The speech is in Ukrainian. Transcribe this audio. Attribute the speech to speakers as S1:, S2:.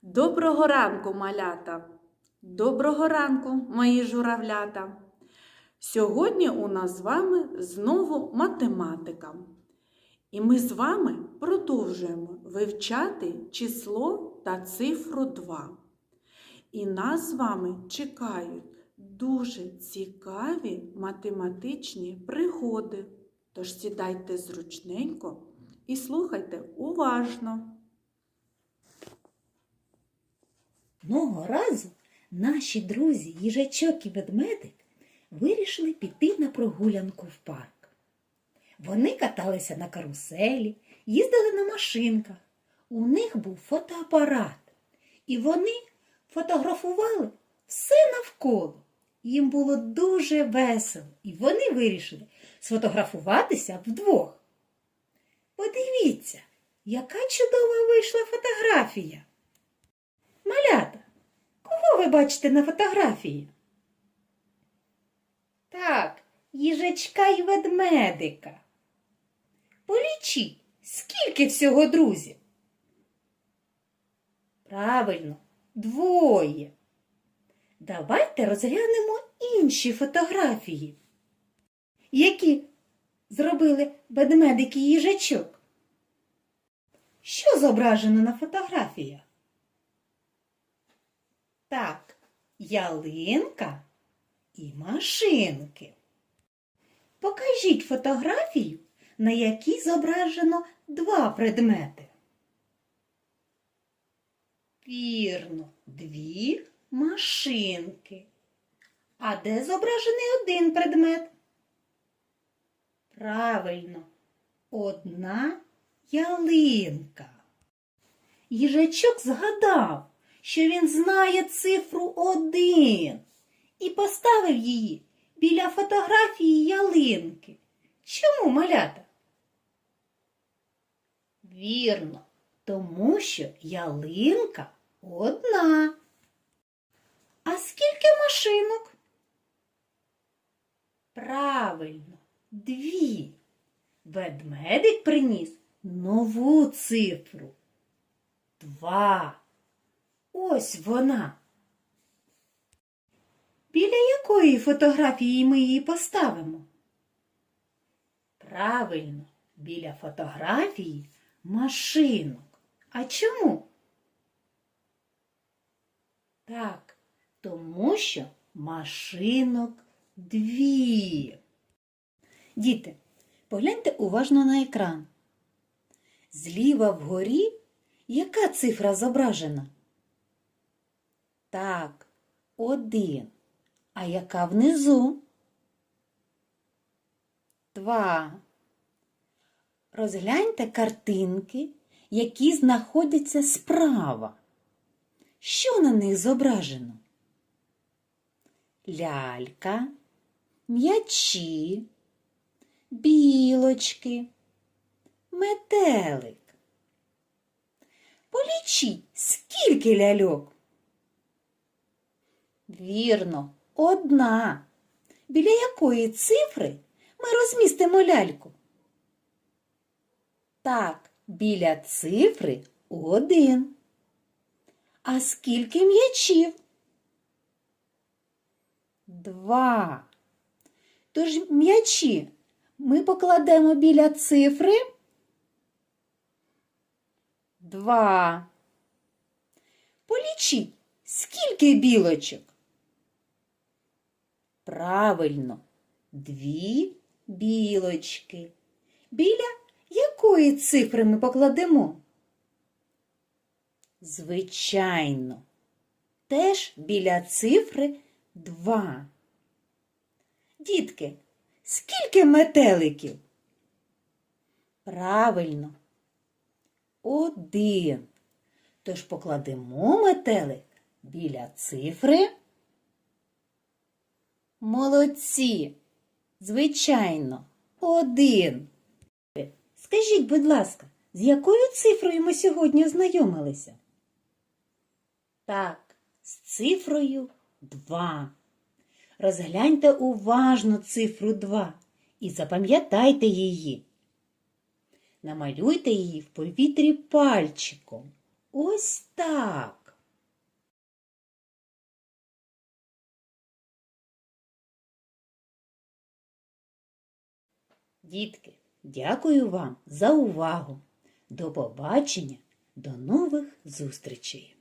S1: Доброго ранку, малята! Доброго ранку, мої журавлята! Сьогодні у нас з вами знову математика. І ми з вами продовжуємо вивчати число та цифру 2. І нас з вами чекають дуже цікаві математичні пригоди. Тож сідайте зручненько і слухайте уважно.
S2: Одного разу наші друзі їжачок і ведмедик вирішили піти на прогулянку в парк. Вони каталися на каруселі, їздили на машинках. У них був фотоапарат. І вони фотографували все навколо. Їм було дуже весело. І вони вирішили сфотографуватися вдвох. Подивіться, яка чудова вийшла фотографія. Малята, кого ви бачите на фотографії? Так, їжачка й ведмедика. Полічіть, скільки всього друзів? Правильно, двоє. Давайте розглянемо інші фотографії, які зробили ведмедик і їжачок. Що зображено на фотографіях? Так, ялинка і машинки. Покажіть фотографію, на якій зображено два предмети. Вірно, дві машинки. А де зображений один предмет? Правильно, одна ялинка. Їжачок згадав, що він знає цифру 1 і поставив її біля фотографії ялинки. Чому, малята? Вірно, тому що ялинка одна. А скільки машинок? Правильно, дві. Ведмедик приніс нову цифру. 2. Ось вона. Біля якої фотографії ми її поставимо? Правильно, біля фотографії машинок. А чому? Так, тому що машинок дві. Діти, погляньте уважно на екран. Зліва вгорі яка цифра зображена? Так, 1. А яка внизу? 2. Розгляньте картинки, які знаходяться справа. Що на них зображено? Лялька, м'ячі, білочки, метелик. Полічіть, скільки ляльок? Вірно, 1. Біля якої цифри ми розмістимо ляльку? Так, біля цифри 1. А скільки м'ячів? 2. Тож м'ячі ми покладемо біля цифри 2. Полічіть, скільки білочок? Правильно, 2 білочки. Біля якої цифри ми покладемо? Звичайно, теж біля цифри 2. Дітки, скільки метеликів? Правильно, 1. Тож покладемо метелик біля цифри. Молодці! Звичайно, 1. Скажіть, будь ласка, з якою цифрою ми сьогодні ознайомилися? Так, з цифрою 2. Розгляньте уважно цифру 2 і запам'ятайте її. Намалюйте її в повітрі пальчиком. Ось так. Дітки, дякую вам за увагу. До побачення, до нових зустрічей!